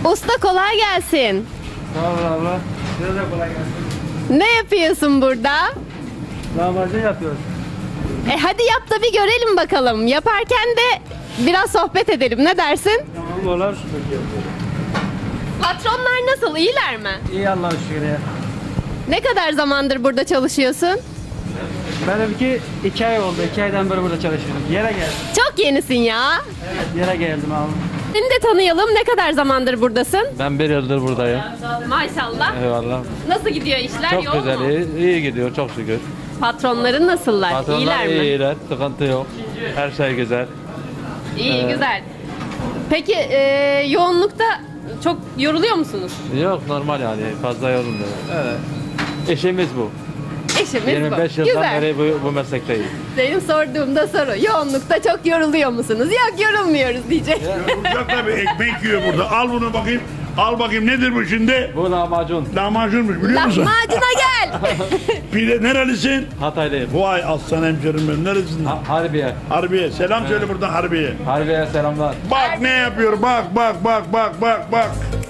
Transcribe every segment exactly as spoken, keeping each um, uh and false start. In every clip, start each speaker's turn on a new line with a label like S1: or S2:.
S1: Usta kolay gelsin.
S2: Sağ ol abla. Size de kolay gelsin.
S1: Ne yapıyorsun burada?
S2: Lahmacun yapıyoruz.
S1: E hadi yap da bir görelim bakalım. Yaparken de biraz sohbet edelim. Ne dersin?
S2: Tamam olur.
S1: Patronlar nasıl? İyiler mi?
S2: İyi Allah'a şükür ya.
S1: Ne kadar zamandır burada çalışıyorsun?
S2: Benimki iki ay oldu. iki aydan beri burada çalışıyorum. Yere geldim.
S1: Çok yenisin ya.
S2: Evet yere geldim abi.
S1: Seni de tanıyalım. Ne kadar zamandır buradasın?
S3: Ben bir yıldır buradayım.
S1: Maşallah.
S3: Eyvallah.
S1: Nasıl gidiyor işler?
S3: Çok
S1: Yoğun
S3: güzel,
S1: mu?
S3: iyi, iyi gidiyor çok şükür.
S1: Patronların nasıllar?
S3: Patronlar
S1: İyiler mi?
S3: iyiler, sıkıntı yok. Her şey güzel.
S1: İyi,
S3: Ee,
S1: güzel. Peki e, yoğunlukta çok yoruluyor musunuz?
S3: Yok normal yani fazla yorulmuyor. Evet. İşimiz bu.
S1: Eşimiz
S3: yirmi beş
S1: bu.
S3: yıldan
S1: Güzel.
S3: beri bu, bu meslekteyiz.
S1: Benim sorduğumda soru. Yoğunlukta çok yoruluyor musunuz? Yok yorulmuyoruz diyecek.
S4: Yorulacak tabii, ekmek yiyor burada. Al bunu bakayım. Al bakayım nedir bu şimdi?
S3: Bu lahmacun.
S4: Lahmacunmuş biliyor musun?
S1: Lahmacuna gel.
S4: Pide nerelisin?
S3: Hataylıyım.
S4: Vay aslan hemşerim benim. Nerelisin?
S3: Ha, Harbiye.
S4: Harbiye. Selam söyle buradan Harbiye.
S3: Harbiye selamlar.
S4: Bak ne yapıyor. Bak bak bak bak bak bak.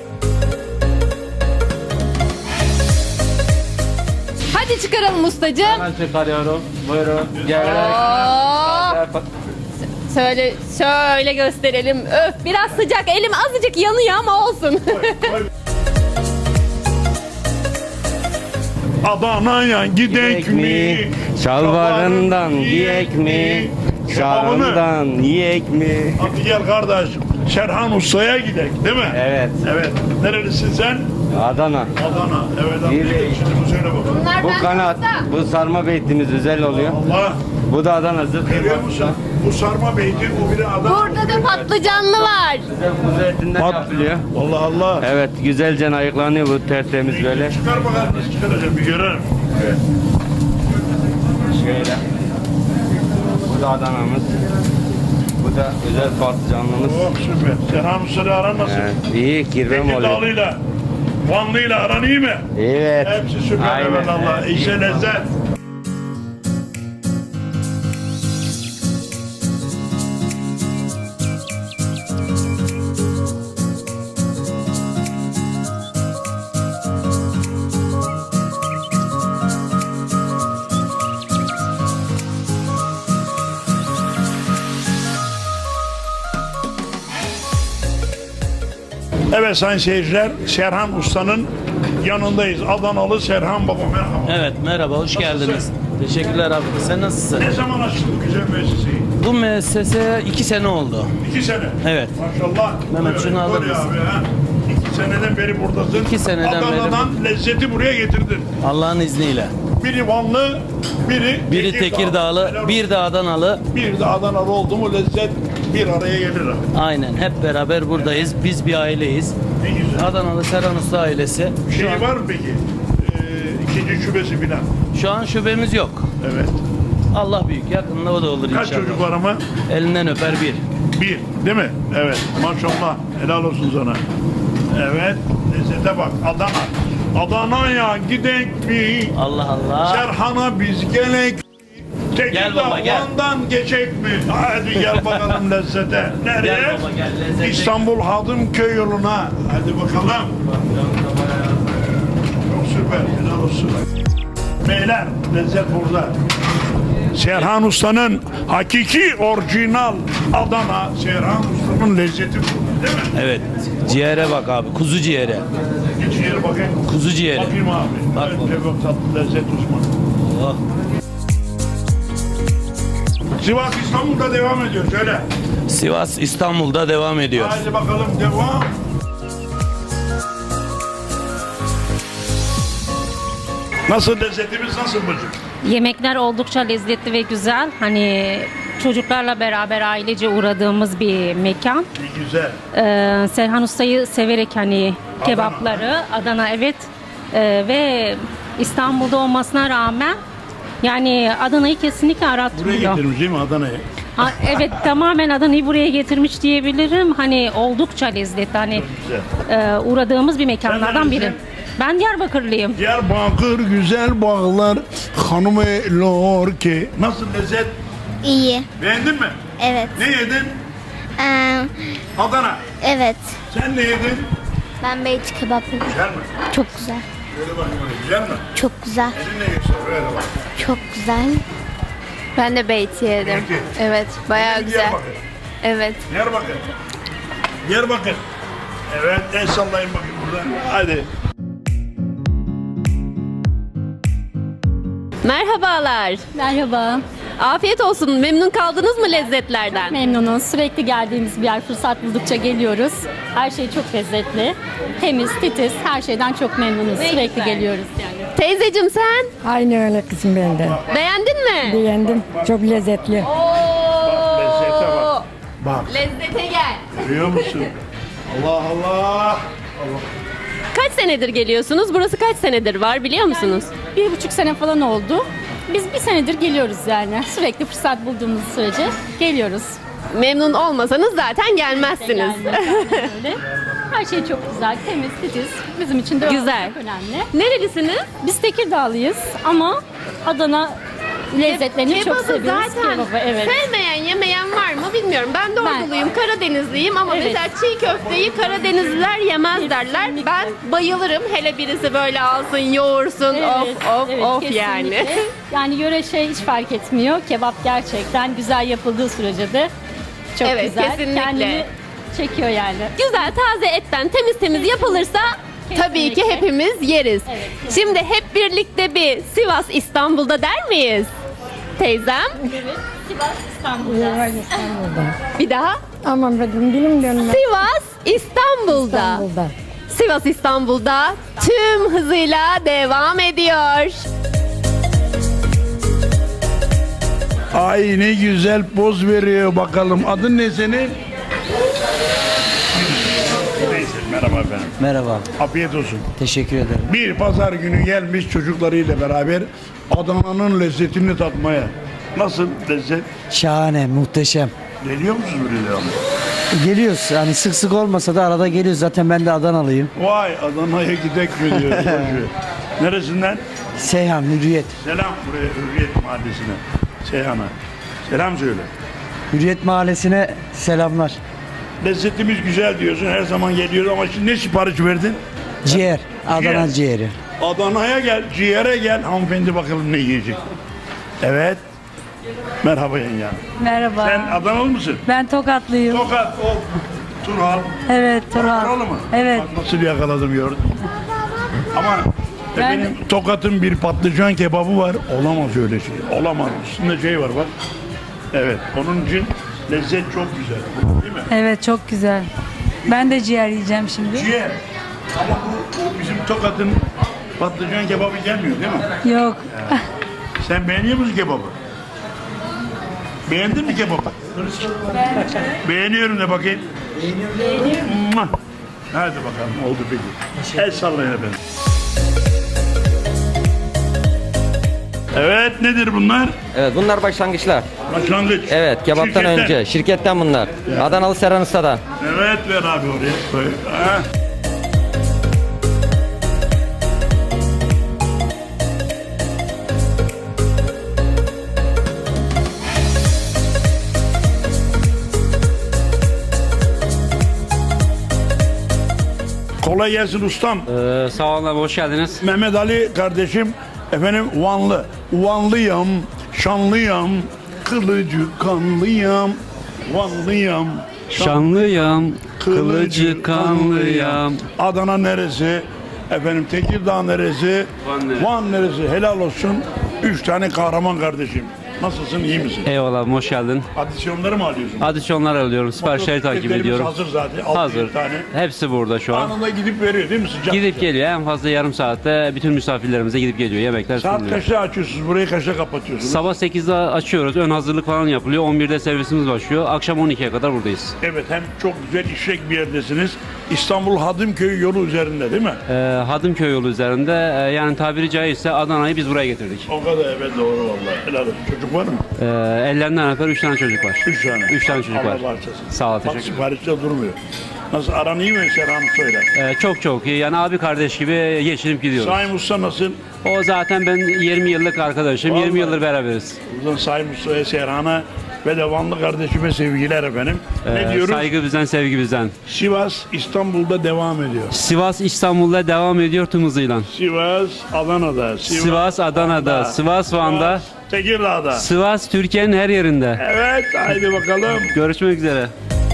S1: Hadi çıkaralım ustacığım.
S3: Hemen çıkarıyorum. Buyurun. Gel.
S1: Oo. Söyle, şöyle gösterelim. Öf biraz sıcak. Elim azıcık yanıyor ama olsun.
S4: Adana'ya gidek mi?
S5: Şalvarından yiyek mi?
S4: Şalvarını.
S5: Şarından yiyek mi?
S4: Hadi gel kardeş. Serhan Usta'ya gidek değil mi?
S5: Evet.
S4: Evet. Nerelisin sen?
S5: Adana.
S4: Adana. Evet abi.
S5: İyi.
S4: Şimdi bu söyle bakalım.
S1: Bunlar
S5: Bu
S1: benden
S5: kanat,
S1: usta.
S5: bu sarma beytimiz özel oluyor.
S4: Allah.
S5: Bu da Adana zırh
S4: Görüyor musun? Bu sarma beyti, bu biri Adana.
S1: Burada da patlıcanlı var.
S5: Kuzu etinden
S4: Pat-
S5: yapılıyor.
S4: Allah Allah.
S5: Evet, güzelce ayıklanıyor bu tertemiz böyle.
S4: Çıkar bakalım nasıl çıkaracağım bir görelim. Evet.
S5: Şöyle. Bu da Adana'mız. Bu da özel patlıcanlımız.
S4: Oh süper. Serhan Usta'yla aran nasıl?
S5: Evet, iyi kirvem oluyor.
S4: Tekirdağlı'yla, Vanlı'yla aran iyi mi?
S5: Evet.
S4: Hepsi süper
S5: Aynen.
S4: evet Allah.
S5: Evet.
S4: İşe lezzet. Evet sayın seyirciler, Serhan Usta'nın yanındayız. Adanalı Serhan Baba merhaba.
S6: Evet merhaba hoş geldiniz. Teşekkürler abi. Sen nasılsın?
S4: Ne zaman açtın bu güzel müesseseyi?
S6: Bu müessese iki sene oldu.
S4: İki sene.
S6: Evet.
S4: Maşallah.
S6: Mehmet,
S4: Böyle,
S6: şunu alır
S4: böyle
S6: mısın?
S4: abi, ha. İki seneden beri buradasın.
S6: İki seneden beri.
S4: Adana'dan lezzeti buraya getirdin.
S6: Allah'ın izniyle.
S4: Biri Vanlı, biri
S6: Biri Tekirdağlı,
S4: Helal
S6: bir de Adanalı.
S4: olsun. bir de Adanalı oldu mu lezzet bir araya gelir. abi.
S6: Aynen hep beraber buradayız. Biz bir aileyiz.
S4: Ne güzel.
S6: Adanalı Serhan Usta ailesi. Şu
S4: Şey
S6: an,
S4: var mı peki? Ee, ikinci şubesi filan.
S6: şu an şubemiz yok.
S4: Evet.
S6: Allah büyük. Yakında o da olur
S4: Kaç
S6: inşallah.
S4: çocuk var ama?
S6: Elinden öper bir.
S4: Bir. Değil mi? Evet. Maşallah. Helal olsun sana. Evet. Lezzete bak. Adana. Adana'ya gidek mi?
S6: Allah Allah.
S4: Serhan'a biz gelek.
S6: Gel baba, gel.
S4: Tekirdağ'dan geçek mi? Hadi gel bakalım lezzete. Nereye?
S6: Gel baba, gel, lezzete.
S4: İstanbul Hadımköy yoluna. Hadi bakalım. Çok süper. Helal olsun. Beyler lezzet burada. Serhan Usta'nın hakiki orijinal Adana Serhan Usta'nın lezzeti burada değil mi?
S6: Evet. Ciğere bak abi. Kuzu ciğeri.
S4: Geç yere bakayım.
S6: Kuzu ciğeri.
S4: Bakayım abi.
S6: Bak
S4: evet,
S6: baba.
S4: evet, tatlı lezzet uzmanı.
S6: Oh.
S4: Sivas İstanbul'da devam ediyor. Söyle.
S6: Sivas İstanbul'da devam ediyor.
S4: Hadi bakalım devam. Nasıl lezzetimiz nasıl bacım?
S7: Yemekler oldukça lezzetli ve güzel. Hani çocuklarla beraber ailece uğradığımız bir mekan.
S4: İyi güzel.
S7: Ee, Serhan Usta'yı severek hani kebapları, Adana evet. Ee, ve İstanbul'da olmasına rağmen yani Adana'yı kesinlikle
S4: Buraya
S7: aratmıyor.
S4: getirmiş değil mi Adana'ya?
S7: Ha, evet tamamen Adana'yı buraya getirmiş diyebilirim. Hani oldukça lezzetli. Hani
S4: güzel.
S7: e, uğradığımız bir mekanlardan biri.
S4: neredesin?
S7: Ben Diyarbakırlıyım.
S4: Diyarbakır güzel bağlar hanım elor ki. Nasıl lezzet?
S8: İyi.
S4: Beğendin mi?
S8: Evet.
S4: Ne yedin?
S8: Ee,
S4: Adana.
S8: evet.
S4: Sen ne yedin?
S8: Ben beyti kebap yedim.
S4: Güzel mi?
S8: Çok güzel.
S4: Böyle bakayım öyle. Güzel mi?
S8: Çok güzel.
S4: Elinle göster. Böyle bak.
S8: Çok güzel.
S1: Ben de beyti yedim.
S4: Beyti.
S1: Evet, bayağı
S4: Benim
S1: güzel.
S4: Diyarbakır.
S1: Evet.
S4: Diyarbakır. Diyarbakır. Evet, el sallayın bakayım buradan. Hadi.
S1: Merhabalar.
S9: Merhaba.
S1: Afiyet olsun. Memnun kaldınız mı lezzetlerden?
S9: Memnunuz. Sürekli geldiğimiz bir yer. Fırsat buldukça geliyoruz. Her şey çok lezzetli. Temiz, titiz. Her şeyden çok memnunuz.
S1: Ne
S9: Sürekli
S1: güzel.
S9: geliyoruz yani.
S1: Teyzecim sen
S10: Aynı öyle kızım ben de.
S1: beğendin mi?
S10: Beğendim. Çok lezzetli.
S1: Oo!
S4: lezzete bak. Bak,
S1: Lezzete gel.
S4: görüyor musun? Allah Allah.
S1: Kaç senedir geliyorsunuz? Burası kaç senedir var biliyor musunuz?
S9: Bir buçuk sene falan oldu. Biz bir senedir geliyoruz yani. Sürekli fırsat bulduğumuz sürece geliyoruz.
S1: Memnun olmasanız zaten gelmezsiniz.
S9: Yani, aynen öyle. Her şey çok güzel, temiz, titiz. Bizim için de
S1: Güzel.
S9: çok önemli.
S1: Nerelisiniz?
S9: Biz Tekirdağlıyız ama Adana lezzetlerini çok
S1: Kebabı
S9: seviyoruz.
S1: zaten
S9: Kebabı, evet.
S1: sevmeyen, yemeyen var mı bilmiyorum. Ben de Orduluyum, Karadenizliyim ama
S9: Evet.
S1: mesela çiğ köfteyi Karadenizliler yemez derler.
S9: Kesinlikle.
S1: Ben bayılırım. Hele birisi böyle alsın, yoğursun. of of
S9: evet,
S1: of
S9: kesinlikle.
S1: yani.
S9: Yani yöre şey hiç fark etmiyor. Kebap gerçekten güzel yapıldığı sürece de çok
S1: Evet,
S9: güzel.
S1: kesinlikle.
S9: Kendini çekiyor yani.
S1: Güzel taze etten temiz temiz yapılırsa tabii ki
S9: Kesinlikle.
S1: hepimiz yeriz.
S9: Evet.
S1: Şimdi hep birlikte bir Sivas İstanbul'da der miyiz? Teyzem.
S9: Evet. Sivas İstanbul'da.
S10: İstanbul'da.
S1: Bir daha.
S10: Aman benim dilim dönmez.
S1: Sivas İstanbul'da.
S10: İstanbul'da.
S1: Sivas İstanbul'da tüm hızıyla devam ediyor.
S4: Ay ne güzel poz veriyor bakalım. Adın ne senin? Neyse, merhaba efendim.
S11: Merhaba,
S4: Afiyet olsun.
S11: teşekkür ederim.
S4: Bir pazar günü gelmiş çocuklarıyla beraber Adana'nın lezzetini tatmaya. Nasıl lezzet?
S11: Şahane, muhteşem.
S4: Geliyor musunuz buraya devamlı?
S11: Geliyoruz, hani sık sık olmasa da arada geliyoruz. Zaten ben de Adanalıyım.
S4: Vay Adana'ya gidek mi diyor. Neresinden?
S11: Seyhan, Hürriyet.
S4: Selam buraya Hürriyet Mahallesi'ne. Seyhan'a. Selam söyle.
S11: Hürriyet Mahallesi'ne selamlar.
S4: Lezzetimiz güzel diyorsun. Her zaman geliyoruz ama şimdi ne sipariş verdin?
S11: Ciğer, Adana
S4: Ciğer.
S11: ciğeri.
S4: Adana'ya gel, ciğere gel. Hanımefendi bakalım ne yiyecek. Evet. Merhaba yenge.
S10: Merhaba.
S4: Sen Adanalı mısın?
S10: Ben Tokatlıyım.
S4: Tokat, o Turhal.
S10: Evet Turhan.
S4: Oralı mı?
S10: Evet.
S4: Bak nasıl yakaladım gördün. Ama benim Tokat'ın bir patlıcan kebabı var. Olamaz öyle şey. Olamaz. Üstünde şey var bak. Evet. Onun için lezzet çok güzel. Değil mi?
S10: Evet çok güzel. Ben de ciğer yiyeceğim şimdi.
S4: Ciğer. Ama bu, bu bizim Tokat'ın patlıcan kebabı gelmiyor değil mi?
S10: Yok.
S4: Sen beğeniyor musun kebabı? Beğendin mi kebabı? Beğeniyorum de bakayım. Beğeniyorum. Hadi bakalım oldu peki. El sallayın efendim. Evet nedir bunlar?
S12: Evet bunlar başlangıçlar.
S4: Başlangıç.
S12: Evet kebaptan
S4: Şirketten.
S12: önce şirketten bunlar. Adanalı Serhan Usta'dan.
S4: Evet ver abi oraya. Koy. Ha. Kolay gelsin ustam.
S3: Ee, sağ olun abi, hoş geldiniz.
S4: Mehmet Ali kardeşim efendim Vanlı. Vanlıyam, şanlıyam, kılıcı kanlıyam, Vanlıyam,
S3: Şanlıyam, kılıcı kanlıyam.
S4: Adana neresi? Efendim Tekirdağ neresi?
S3: Van neresi?
S4: Van neresi? Helal olsun. Üç tane kahraman kardeşim. Nasılsın, iyi misin?
S3: Eyvallah abi, hoş geldin.
S4: Adisyonları mı alıyorsun?
S3: Adisyonlar alıyorum, siparişleri takip
S4: Motosikletlerimiz
S3: ediyorum.
S4: hazır zaten. altı
S3: Hazır.
S4: yedi tane.
S3: Hepsi burada şu an.
S4: Anında gidip veriyor değil mi sıcak?
S3: Gidip geliyor, en fazla yarım saatte bütün misafirlerimize gidip geliyor. Yemekler
S4: Saat
S3: sunuluyor.
S4: kaçta açıyorsunuz? Burayı kaçta kapatıyorsunuz?
S3: Sabah sekizde açıyoruz, ön hazırlık falan yapılıyor. on birde servisimiz başlıyor. Akşam on ikiye kadar buradayız.
S4: Evet, hem çok güzel işlek bir yerdesiniz. İstanbul Hadımköy yolu üzerinde değil mi?
S3: Ee, Hadımköy yolu üzerinde, e, yani tabiri caizse Adana'yı biz buraya getirdik.
S4: O kadar, evet, doğru vallahi. Helal olsun. Çocuk var mı?
S3: Ee, ellerinden öper üç tane çocuk var.
S4: Üç tane.
S3: Üç tane çocuk
S4: Allah
S3: var.
S4: bağışlasın.
S3: Sağ ol,
S4: Bak
S3: teşekkür ederim.
S4: siparişte durmuyor. Nasıl, aran iyi mi Serhan Usta'yla?
S3: Ee, çok çok iyi. Yani abi kardeş gibi geçinip gidiyoruz.
S4: Saim Usta nasıl?
S3: O zaten ben yirmi yıllık arkadaşım.
S4: Vallahi.
S3: yirmi yıldır beraberiz.
S4: Buradan Saim Usta'ya, Serhan'a ve de Vanlı kardeşime sevgiler efendim. Ne
S3: Ee,
S4: diyoruz?
S3: Saygı bizden, sevgi bizden.
S4: Sivas İstanbul'da devam ediyor.
S3: Sivas İstanbul'da devam ediyor tüm hızıyla.
S4: Sivas Adana'da. Sivas,
S3: Sivas Adana'da,
S4: Van'da,
S3: Sivas Van'da,
S4: Sivas Tekirdağ'da.
S3: Sivas Türkiye'nin her yerinde.
S4: Evet, haydi bakalım.
S3: Görüşmek üzere.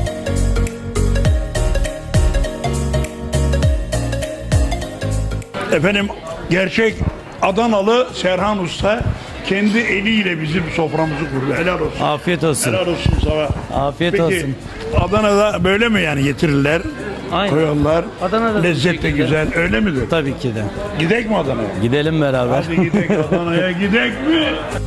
S4: Efendim gerçek Adanalı Serhan Usta kendi eliyle bizim soframızı kurdu. Helal olsun.
S6: Afiyet olsun.
S4: Helal olsun sana.
S6: Afiyet
S4: Peki
S6: olsun.
S4: Adana'da böyle mi yani getirirler?
S6: Aynen.
S4: Koyarlar.
S6: Adana'da
S4: Lezzet de güzel. Öyle midir?
S6: Tabii ki de.
S4: Gidek mi Adana'ya?
S6: Gidelim beraber.
S4: Hadi gidek Adana'ya gidek mi?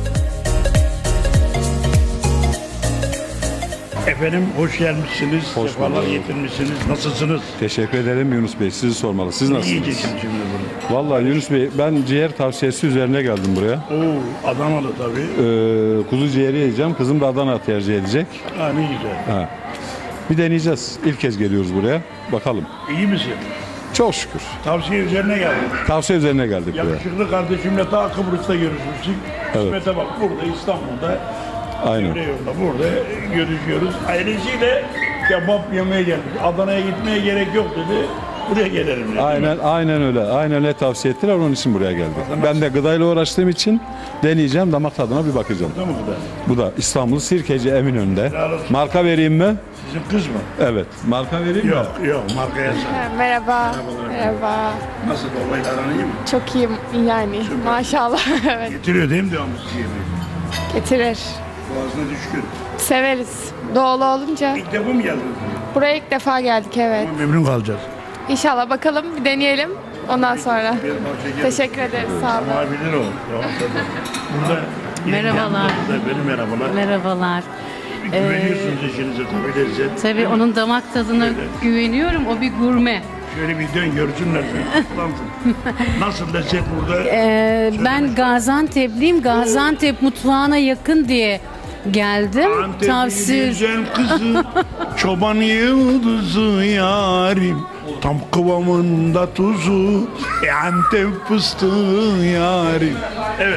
S4: Efendim hoş gelmişsiniz.
S13: Hoş
S4: Sefalar
S13: bulduk.
S4: getirmişsiniz. Nasılsınız?
S13: Teşekkür ederim Yunus Bey. Sizi sormalı. Siz
S4: Ne
S13: nasılsınız?
S4: yiyeceksin şimdi bunu?
S13: Vallahi Yunus Bey ben ciğer tavsiyesi üzerine geldim buraya.
S4: Oo, Adanalı tabii.
S13: Ee, kuzu ciğeri yiyeceğim. Kızım da Adana tercih edecek.
S4: Ha ne güzel.
S13: Ha. Bir deneyeceğiz. İlk kez geliyoruz buraya. Bakalım.
S4: İyi misin?
S13: Çok şükür.
S4: Tavsiye üzerine geldik.
S13: Tavsiye üzerine geldik buraya.
S4: Yakışıklı kardeşimle ta Kıbrıs'ta görüşmüştük.
S13: Evet.
S4: Kısmete bak burada İstanbul'da.
S13: Aynen.
S4: Emre yolda burada görüşüyoruz. Ailesiyle kebap yemeye geldik. Adana'ya gitmeye gerek yok dedi. Buraya gelelim dedi.
S13: Aynen, aynen öyle. Aynen öyle tavsiye ettiler. Onun için buraya geldik. Ben de gıdayla uğraştığım için deneyeceğim. Damak tadına bir bakacağım.
S4: Değil mi bu da?
S13: Bu da İstanbul Sirkeci Eminönü'nde.
S4: Helal olsun.
S13: Marka vereyim mi?
S4: Sizin kız mı?
S13: Evet. Marka vereyim mi?
S4: Yok yok markaya sahip.
S14: Merhaba.
S4: Merhabalar.
S14: Merhaba.
S4: Nasıl babayla aran iyi mi?
S14: Çok iyiyim yani. Maşallah. Evet.
S4: Getiriyor değil mi devamlı sizi yemeği?
S14: Getirir.
S4: Boğazına düşkün.
S14: Severiz. Doğulu olunca.
S4: İlk defa mı geldiniz?
S14: Buraya ilk defa geldik, evet.
S4: Memnun kalacağız.
S14: İnşallah bakalım, bir deneyelim. Ondan sonra.
S4: Bir parça gelin.
S14: Teşekkür ederiz. Sağ olun.
S4: Ama bilir o. Tamam, tabii. Burada
S15: Merhabalar.
S4: Benim merhabalar.
S15: Merhabalar.
S4: Güveniyorsunuz eşinize tabii lezzet.
S15: Tabii onun damak tadına güveniyorum. O bir gurme.
S4: Şöyle bir dön görsünler seni. Kutlansın. Nasıl lezzet burada?
S15: Ee, ben Gaziantep'liyim. Gaziantep mutfağına yakın diye geldim.
S4: Antep'in
S15: Tavsiye.
S4: güzel kızı, çoban yıldızı yarim. Tam kıvamında tuzu, e, Antep fıstığı yarim. Evet.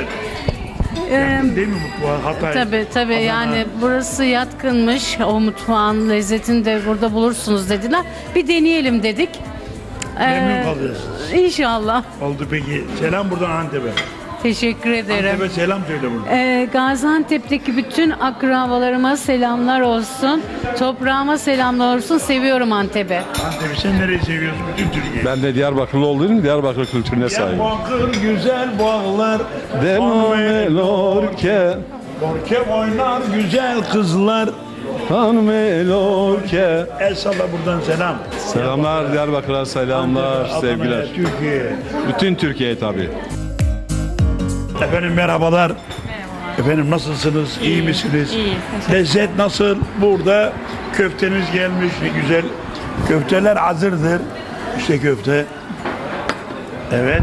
S4: Yakın değil mi mutfağa? Hatay.
S15: Tabii tabii
S4: Adana.
S15: yani burası yatkınmış. O mutfağın lezzetini de burada bulursunuz dediler. Bir deneyelim dedik.
S4: Memnun
S15: Ee,
S4: kalıyorsunuz.
S15: İnşallah.
S4: Oldu peki. Selam buradan Antep'e.
S15: Teşekkür ederim.
S4: Antep'e selam söyle burada.
S15: Ee, Gaziantep'teki bütün akrabalarıma selamlar olsun. Toprağıma selamlar olsun. Seviyorum Antep'i.
S4: Antep'i sen nereyi seviyorsun? Bütün Türkiye.
S13: Ben de Diyarbakırlı olduğum için Diyarbakır kültürüne sahibim.
S4: Diyarbakır güzel bağlar.
S13: Demelorke
S4: Borke oynar güzel kızlar.
S13: Hanmelorke.
S4: El salla buradan selam.
S13: Selamlar Diyarbakır'a selamlar,
S4: Adana'ya,
S13: sevgiler.
S4: Türkiye'ye.
S13: Bütün Türkiye'ye tabii.
S4: Efendim merhabalar. Efendim nasılsınız? İyi misiniz?
S16: İyi.
S4: Lezzet nasıl? Burada köfteniz gelmiş. Ne güzel. Köfteler hazırdır. İşte köfte. Evet.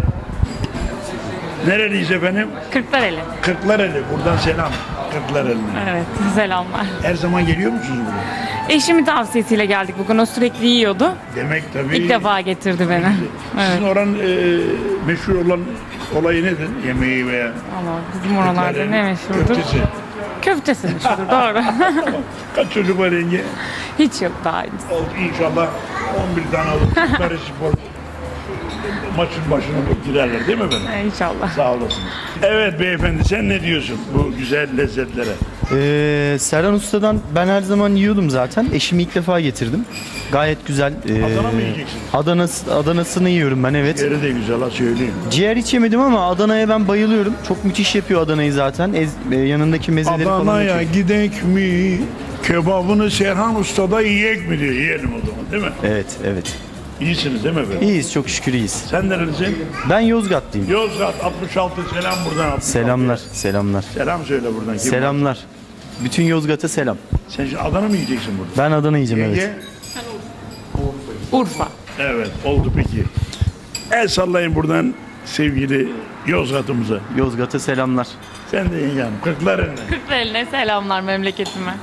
S4: Nereliyiz efendim?
S16: Kırklareli.
S4: Kırklareli. Buradan selam. Kırklareli'ne.
S16: Evet, selamlar.
S4: Her zaman geliyor musunuz buraya?
S16: Eşimin tavsiyesiyle geldik bugün. O sürekli yiyordu.
S4: Demek tabii.
S16: İlk defa getirdi beni.
S4: Sizin
S16: Evet.
S4: oranın e, meşhur olan olayı nedir? Yemeği veya
S16: Ama bizim oralarda
S4: Kırklareli'nin
S16: ne meşhurdur?
S4: Köftesi.
S16: Köftesi meşhurdur, doğru.
S4: Kaç çocuk var yenge?
S16: Hiç yok daha henüz.
S4: Oldu inşallah on bir tane alıp Kırklareli Spor maçın başına girerler değil mi efendim?
S16: İnşallah.
S4: Sağ olasınız. Evet beyefendi sen ne diyorsun bu güzel lezzetlere?
S6: Ee, Serhan Usta'dan ben her zaman yiyordum zaten. Eşimi ilk defa getirdim. Gayet güzel. Ee,
S4: Adana mı yiyeceksiniz?
S6: Adana, Adana'sını yiyorum ben, evet.
S4: Yeri de güzel ha söyleyeyim.
S6: Ciğer hiç yemedim ama Adana'ya ben bayılıyorum. Çok müthiş yapıyor Adana'yı zaten. Ez, e, yanındaki mezeleri falan. da
S4: Adana'ya
S6: çok-
S4: gidek mi? Kebabını Serhan Usta'da yiyek mi diyor. Yiyelim o zaman değil mi?
S6: Evet, evet.
S4: İyisiniz değil mi efendim?
S6: İyiyiz, çok şükür iyiyiz.
S4: Sen nerelisin?
S6: Ben Yozgatlıyım.
S4: Yozgat altmış altı selam buradan. altmış altı.
S6: Selamlar, selamlar.
S4: Selam söyle buradan. Kim
S6: Selamlar. Bütün Yozgat'a selam.
S4: Sen şimdi Adana mı yiyeceksin burada?
S6: Ben Adana yiyeceğim,
S4: Yenge?
S6: evet.
S16: Urfa.
S4: Evet oldu peki. El sallayın buradan sevgili Yozgat'ımıza.
S6: Yozgat'a selamlar.
S4: Sen de yenge hanım. Kırklareli'ne.
S16: Kırklareli'ne selamlar memleketime.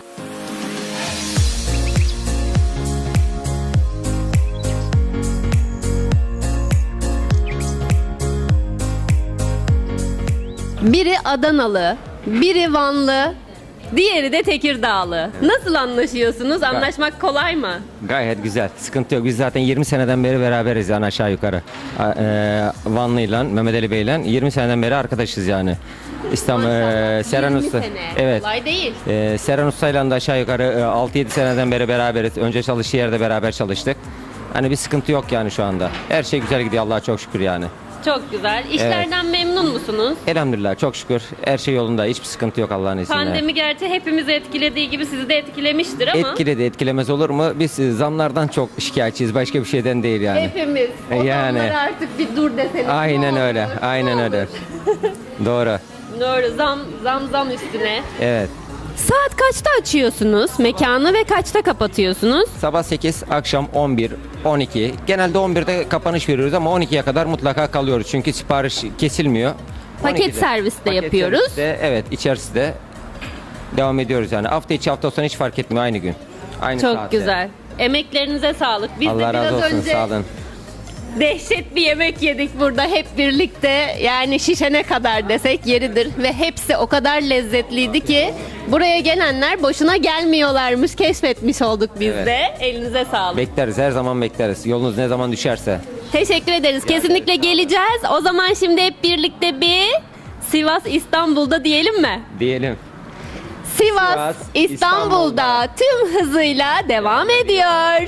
S1: Biri Adanalı, biri Vanlı, Diğeri de Tekirdağlı. Nasıl anlaşıyorsunuz? Anlaşmak kolay mı?
S12: Gayet güzel. Sıkıntı yok. Biz zaten yirmi seneden beri beraberiz yani aşağı yukarı. A- E, Vanlı'yla, Mehmet Ali Bey'le yirmi seneden beri arkadaşız yani. İstanbul, e, Seren
S1: yirmi
S12: Usta.
S1: sene.
S12: Evet.
S1: Kolay değil.
S12: E, Seren Usta'yla da aşağı yukarı e, altı yedi seneden beri beraberiz. Önce çalıştığı yerde beraber çalıştık. Hani bir sıkıntı yok yani şu anda. Her şey güzel gidiyor Allah'a çok şükür yani.
S1: Çok güzel. İşlerden memnun musunuz?
S12: Elhamdülillah çok şükür. Her şey yolunda. Hiçbir sıkıntı yok Allah'ın izniyle.
S1: Pandemi gerçi hepimizi etkilediği gibi sizi de etkilemiştir ama
S12: Etkiledi, etkilemez olur mu? Biz e, zamlardan çok şikayetçiyiz. Başka bir şeyden değil yani.
S1: hepimiz. O
S12: Yani.
S1: zamlara artık bir dur deseniz. ne
S12: Aynen
S1: olur,
S12: öyle.
S1: ne
S12: Aynen
S1: olur.
S12: öyle. Doğru.
S1: Doğru. Zam zam zam üstüne.
S12: Evet.
S1: Saat kaçta açıyorsunuz mekanı ve kaçta kapatıyorsunuz?
S12: Sabah sekiz, akşam on bir, on iki. Genelde on birde kapanış veriyoruz ama on ikiye kadar mutlaka kalıyoruz. Çünkü sipariş kesilmiyor.
S1: Paket
S12: on ikide
S1: servis de
S12: paket
S1: yapıyoruz.
S12: serviste, evet, içerisinde devam ediyoruz yani. Hafta içi hafta sonu hiç fark etmiyor aynı gün. Aynı
S1: Çok
S12: saatte.
S1: güzel. Emeklerinize sağlık. Biz de
S12: Allah
S1: biraz
S12: razı olsun,
S1: önce
S12: sağ olun.
S1: dehşet bir yemek yedik burada hep birlikte. Yani şişene kadar desek yeridir ve hepsi o kadar lezzetliydi ki buraya gelenler boşuna gelmiyorlarmış. Keşfetmiş olduk biz
S12: Evet.
S1: de. Elinize sağlık.
S12: Bekleriz, her zaman bekleriz. Yolunuz ne zaman düşerse.
S1: Teşekkür ederiz. Kesinlikle geleceğiz. O zaman şimdi hep birlikte bir Sivas İstanbul'da diyelim mi?
S12: Diyelim.
S1: Sivas,
S12: Sivas,
S1: İstanbul'da tüm hızıyla devam ediyor.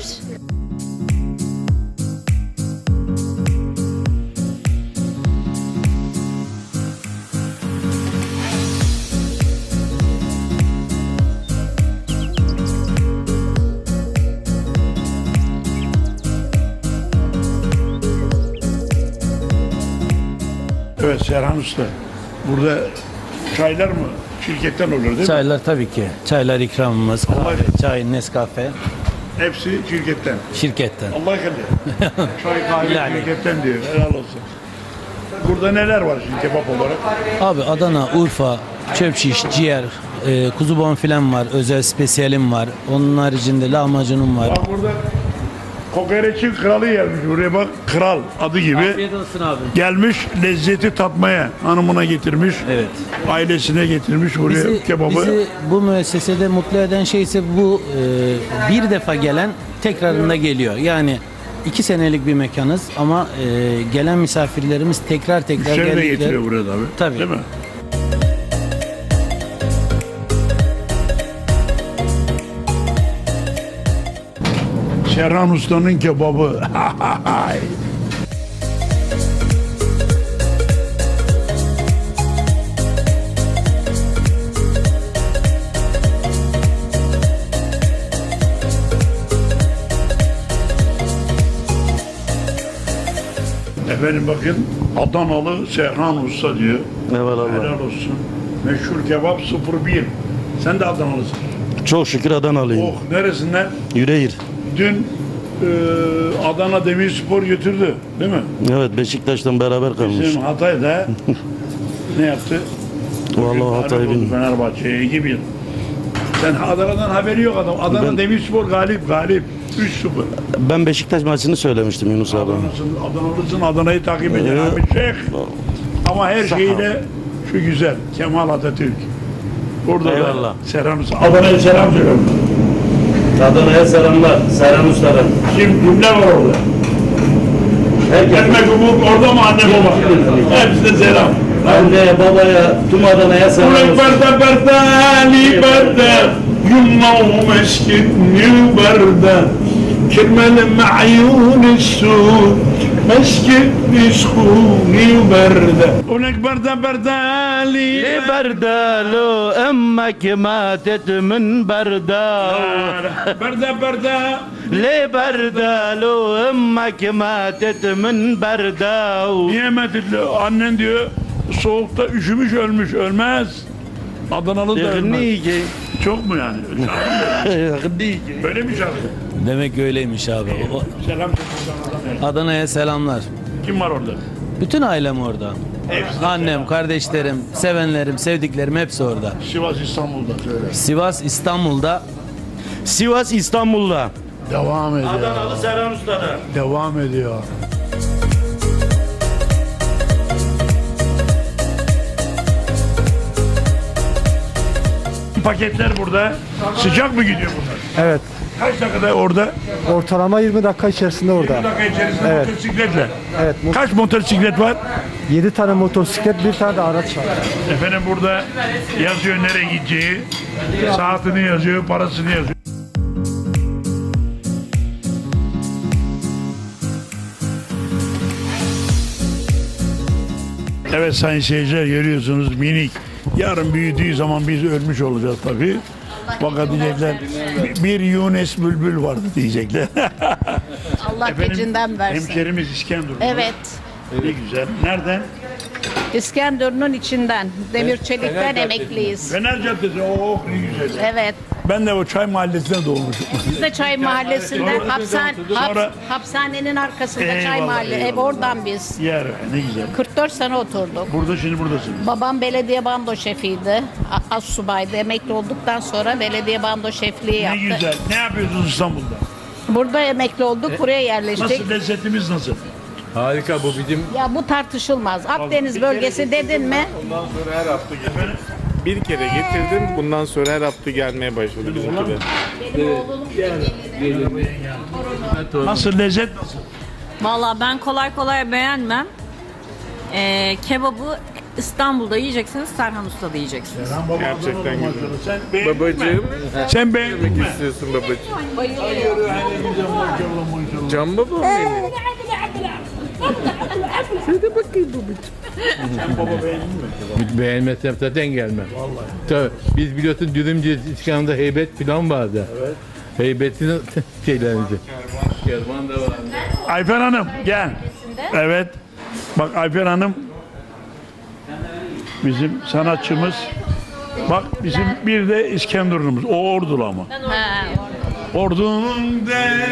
S4: Evet Serhan Usta. Burada çaylar mı şirketten olur değil mi?
S11: Çaylar tabii ki. Çaylar ikramımız, kahve, çay, Nescafe
S4: Hepsi şirketten.
S11: şirketten.
S4: Allah kadir. Çay kahve
S11: Yani.
S4: şirketten diyor. Helal olsun. Burada neler var şimdi kebap olarak?
S11: Abi Adana, Urfa, çöp şiş, ciğer, e, kuzu bonfilem var, özel spesiyelim var. Onun haricinde lahmacunum var.
S4: Bak burada kokoreçin kralı gelmiş. Buraya bak, kral adı gibi.
S11: Afiyet olsun abi.
S4: Gelmiş lezzeti tatmaya hanımına getirmiş.
S11: Evet.
S4: Ailesine getirmiş buraya
S11: Bizi,
S4: kebabı.
S11: bizi bu müessesede mutlu eden şey ise bu e, bir defa gelen tekrarında geliyor. Yani iki senelik bir mekanız ama e, gelen misafirlerimiz tekrar tekrar
S4: Müşteri de
S11: geldikleri.
S4: getiriyor buraya tabii.
S11: Tabii.
S4: Değil mi? Serhan Usta'nın kebabı. Efendim bakın Adanalı Serhan Usta diyor.
S17: Eyvallah.
S4: Helal olsun. Meşhur kebap sıfır bir. Sen de Adanalısın.
S17: Çok şükür Adanalıyım.
S4: Oh neresinden?
S17: Yüreğir.
S4: Dün e, Adana Demirspor götürdü değil mi?
S17: Evet Beşiktaş'tan beraber kalmış.
S4: Bizim Hatay'da ne yaptı?
S17: Vallahi
S4: Bugün
S17: Hatay
S4: galip oldu
S17: bilmiyorum.
S4: Fenerbahçe'ye iki bir. Sen Adana'dan haberi yok adam. Adana
S17: Ben-
S4: Demirspor galip galip. üç sıfır.
S17: Ben Beşiktaş maçını söylemiştim Yunus abi.
S4: Adana'sın, Adanalısın, Adana'yı takip edin
S17: Ee,
S4: abi Şeyh. Ama her
S17: Sağ ol.
S4: şeyle şu güzel. Kemal Atatürk. Burada
S17: Eyvallah.
S4: da selam. Adana'ya selam söylüyorum.
S17: Adana'ya selamlar. Serhan Usta'dan.
S4: Kim, kimler var orada? Ekmek umut orada mı anne baba? Hepsine selam.
S17: Anneye, babaya, tüm Adana'ya selam olsun.
S4: Liberta, berta, liberta. يوم مسكت وبردة كرمال معيون السوق مسكت سخوني وبردة ولك بردة بردة لي
S17: بردة لو أمك ماتت من بردة
S4: بردة بردة
S17: ليه بردة لو أمك ماتت من بردة
S4: Niye metitli? Annen diyor soğukta üşümüş ölmüş. Ölmez. Adanalı da ölmez. Çok mu yani? Böyle mi şarkı?
S11: Demek öyleymiş abi. O-
S4: Selam
S11: Adana'ya selamlar.
S4: Kim var orada?
S11: Bütün ailem orada.
S4: Hepsi
S11: Annem,
S4: selam.
S11: kardeşlerim, sevenlerim, sevdiklerim hepsi orada.
S4: Sivas İstanbul'da söyle.
S11: Sivas İstanbul'da.
S17: Sivas İstanbul'da.
S4: Devam ediyor.
S17: Adanalı Serhan Usta'da.
S4: Devam ediyor. paketler burada. Sıcak mı gidiyor bunlar?
S18: Evet.
S4: Kaç dakikada orada?
S18: Ortalama yirmi dakika içerisinde orada.
S4: yirmi dakika içerisinde
S18: Evet.
S4: motosikletle.
S18: Evet.
S4: Kaç motosiklet var?
S18: yedi tane motosiklet, bir tane de araç var.
S4: Efendim burada yazıyor nereye gideceği, saatini yazıyor, parasını yazıyor. Evet sayın seyirciler, görüyorsunuz minik. Yarın büyüdüğü zaman biz ölmüş olacağız tabii. Fakat diyecekler bir Yunus Bülbül vardı diyecekler.
S19: Allah gecinden versin.
S4: Hemşerimiz İskenderun.
S19: Evet.
S4: Ne güzel. Nereden?
S19: İskenderun'un içinden. Demir Çelik'ten emekliyiz.
S4: Fener Caddesi. Oh ne güzel.
S19: Evet.
S4: Ben de o Çay Mahallesi'nde doğmuşum.
S19: Biz de Çay Mahallesi'nden
S4: Sonra-
S19: hapishane,
S4: Sonra-
S19: hap- hapishanenin arkasında Çay
S4: Eyvallah,
S19: Mahalle. Ev
S4: eyvallah.
S19: oradan biz.
S4: Yer ne güzel.
S19: kırk dört sene oturduk.
S4: Burada şimdi buradasın.
S19: Babam belediye bando şefiydi. A- Astsubaydı. Emekli olduktan sonra belediye bando şefliği
S4: Ne
S19: yaptı.
S4: güzel. Ne yapıyorsunuz İstanbul'da?
S19: Burada emekli olduk. Buraya yerleştik.
S4: Nasıl lezzetimiz nasıl?
S5: Harika, bu bizim.
S19: Ya bu tartışılmaz. Akdeniz bölgesi dedin mi?
S5: Bundan sonra her hafta geliyorum. Bir kere getirdim, bundan sonra her hafta gelmeye başladı bizimki de.
S4: Nasıl lezzet nasıl?
S16: Valla ben kolay kolay beğenmem. Ee, kebabı İstanbul'da yiyeceksiniz, Serhan Usta'da yiyeceksiniz.
S5: Gerçekten güzel.
S4: Sen beğendin
S5: Babacığım,
S4: mi? Sen beğendin mi?
S5: ne istiyorsun babacığım? Can babam benim.
S11: Şöyle bakayım babacığım.
S4: Sen baba beğendin mi?
S11: Beğenmezsem zaten gelmem. Vallahi. Tabii biz biliyorsun Dürümcü İskan'da heybet falan vardı. Evet. Heybetin şeylerimizi. Kervan da var.
S4: Ayfer Hanım gel. Evet. Bak Ayfer Hanım bizim sanatçımız. Bak bizim bir de İskenderun'umuz. O Ordulu ama. Ordunun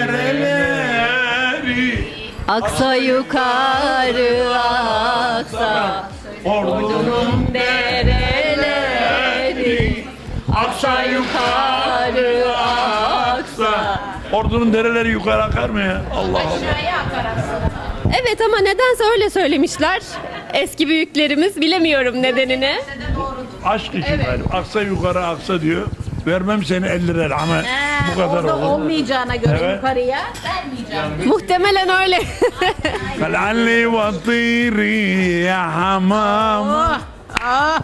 S4: dereleri
S1: Aksa yukarı aksa,
S4: Ordunun
S1: dereleri aksa yukarı aksa.
S4: Ordunun dereleri yukarı akar mı ya? Allah Allah.
S1: Evet ama nedense öyle söylemişler eski büyüklerimiz, bilemiyorum nedenini.
S4: Aşk için galiba. Aksa yukarı aksa diyor. Vermem seni elli lira ama bu kadar
S19: Orada
S4: olur.
S19: olmayacağına göre
S4: Evet.
S19: yukarıya vermeyeceğim.
S1: Muhtemelen öyle.
S4: Kal'alli ve tiri ya hamam.
S19: Ah,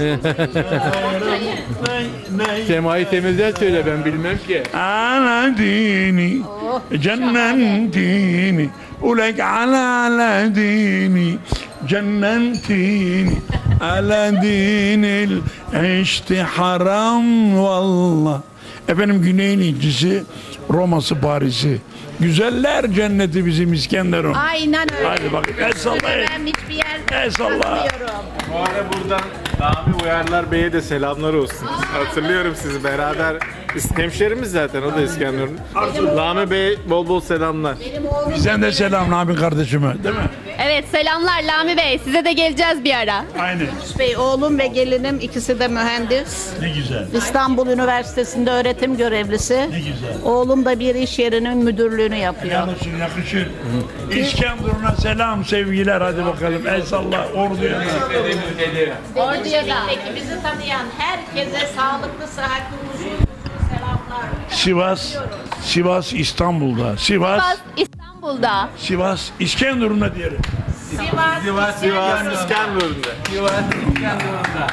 S11: Semayı temizler söyle, ben bilmem ki.
S4: Ala dini cennetini ulek ala ala dini cennetini ala dinil işte haram vallah. Efendim Güney'in incisi, Roma'sı, Paris'i. Güzeller cenneti bizim İskenderun.
S19: aynen öyle.
S4: Hadi bakın, el sallayın.
S19: Ben hiçbir yer
S4: El salla.
S19: tanımıyorum.
S5: Bu arada buradan Rami Uyarlar Bey'e de selamlar olsun. Hatırlıyorum sizi beraber. Biz hemşerimiz zaten, o da İskenderun. Rami Bey bol bol selamlar.
S4: Bizden de selam Nabi kardeşime, değil mi?
S1: Evet, selamlar Lami Bey, size de geleceğiz bir ara.
S4: Aynen.
S19: Bey, oğlum ve gelinim ikisi de mühendis.
S4: Ne güzel.
S19: İstanbul Üniversitesi'nde öğretim görevlisi.
S4: Ne güzel.
S19: Oğlum da bir iş yerinin müdürlüğünü yapıyor.
S4: Helal olsun, yakışır. İskenderun'a selam, sevgiler, hadi bakalım. El salla, orduya.
S19: Orduya da bizi tanıyan herkese sağlıklı, sıhhatli, huzurlu selamlar.
S4: Sivas, Sivas İstanbul'da. Sivas,
S1: Sivas İstanbul'da.
S4: Sivas İskenderun'da diyelim.
S19: Sivas,
S5: Sivas, Sivas, İskenderun'da.
S11: Sivas İskenderun'da.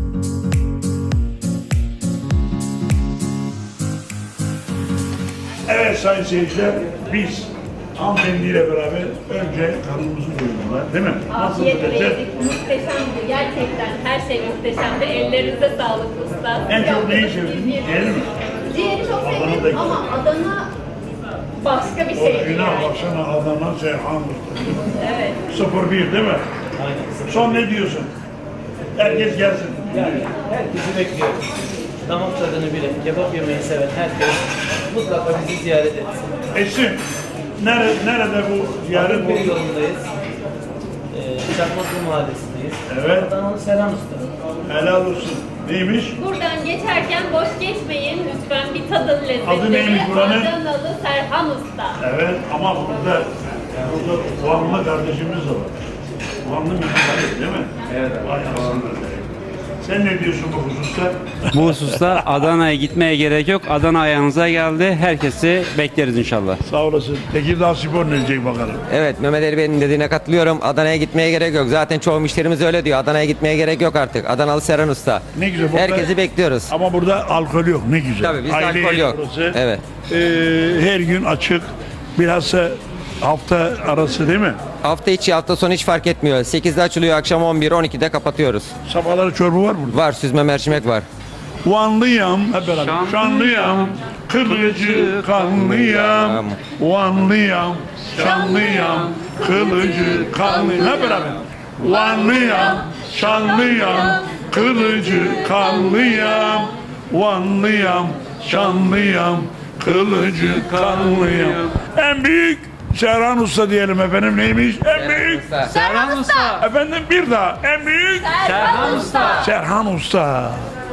S4: Evet sayın seyirciler, biz hanımefendiyle beraber önce karnımızı doyurdular, değil mi?
S1: Afiyetle
S4: lezzet?
S1: yedik, muhteşemdi gerçekten. Her şey muhteşemdi. Ellerinize sağlık usta.
S4: En çok neyi sevdin? Ciğeri mi?
S1: Ciğeri çok
S4: Adana da
S1: sevdim
S4: güzel.
S1: ama Adana başka bir şeydi
S4: Orijinal
S1: yani.
S4: baksana Adana Seyhan.
S1: Evet.
S4: sıfır bir değil mi? Aynen. Son ne diyorsun? Herkes gelsin.
S20: Yani herkesi bekliyoruz. Damak tadını bilen, kebap yemeyi seven herkes mutlaka bizi ziyaret etsin.
S4: Etsin. Nerede, nerede bu ziyaret?
S20: Bir yolundayız. Ee, Çakmaklı Mahallesi'ndeyiz.
S4: Evet.
S20: Adanalı Serhan Usta.
S4: Helal olsun. Neymiş?
S1: Buradan geçerken boş geçmeyin. Lütfen bir tadın lezzetleri.
S4: Adı neymiş buranın?
S1: Adanalı Serhan Usta.
S4: Evet ama burada burada Vanlı kardeşimiz de var. Vanlı mı? Değil mi? Evet. Vay aslında. Sen ne diyorsun bu hususta?
S3: Bu hususta Adana'ya gitmeye gerek yok. Adana ayağınıza geldi. Herkesi bekleriz inşallah.
S4: Sağ olasın. Tekirdağ Spor ne diyecek bakalım?
S12: Evet, Mehmet Ali Bey'in dediğine katılıyorum. Adana'ya gitmeye gerek yok. Zaten çoğu müşterimiz öyle diyor. Adana'ya gitmeye gerek yok artık. Adanalı Serhan Usta.
S4: Ne güzel. Burada,
S12: Herkesi bekliyoruz.
S4: Ama burada alkol yok. Ne güzel.
S12: Tabii bizde
S4: Aile
S12: alkol yok.
S4: burası.
S12: Evet.
S4: Ee, her gün açık. Bilhassa hafta arası değil mi?
S12: Hafta içi, hafta sonu hiç fark etmiyor. sekizde açılıyor, akşam on bir on ikide kapatıyoruz.
S4: Sabahları çorba var burada.
S12: Var, süzme mercimek var.
S4: Vanlıyam, hep beraber. Şanlıyam, kılıcı kanlıyam. Vanlıyam, şanlıyam, kılıcı kanlıyam. Hep beraber. Vanlıyam, şanlıyam, kılıcı kanlıyam. Vanlıyam, şanlıyam, kılıcı kanlıyam. En büyük Serhan Usta diyelim efendim, neymiş? En büyük
S1: Serhan Usta.
S4: Efendim bir daha. En büyük
S1: Serhan Usta.
S4: Serhan Usta.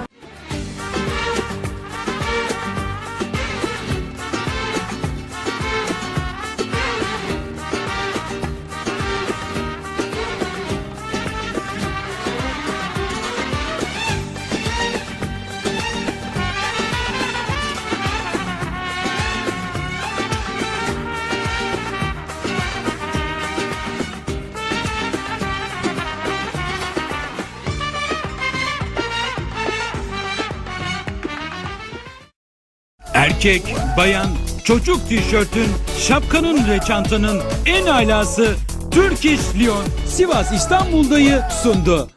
S21: Erkek, bayan, çocuk tişörtün, şapkanın ve çantanın en alası Turkish Lyon Sivas İstanbul'dayı sundu.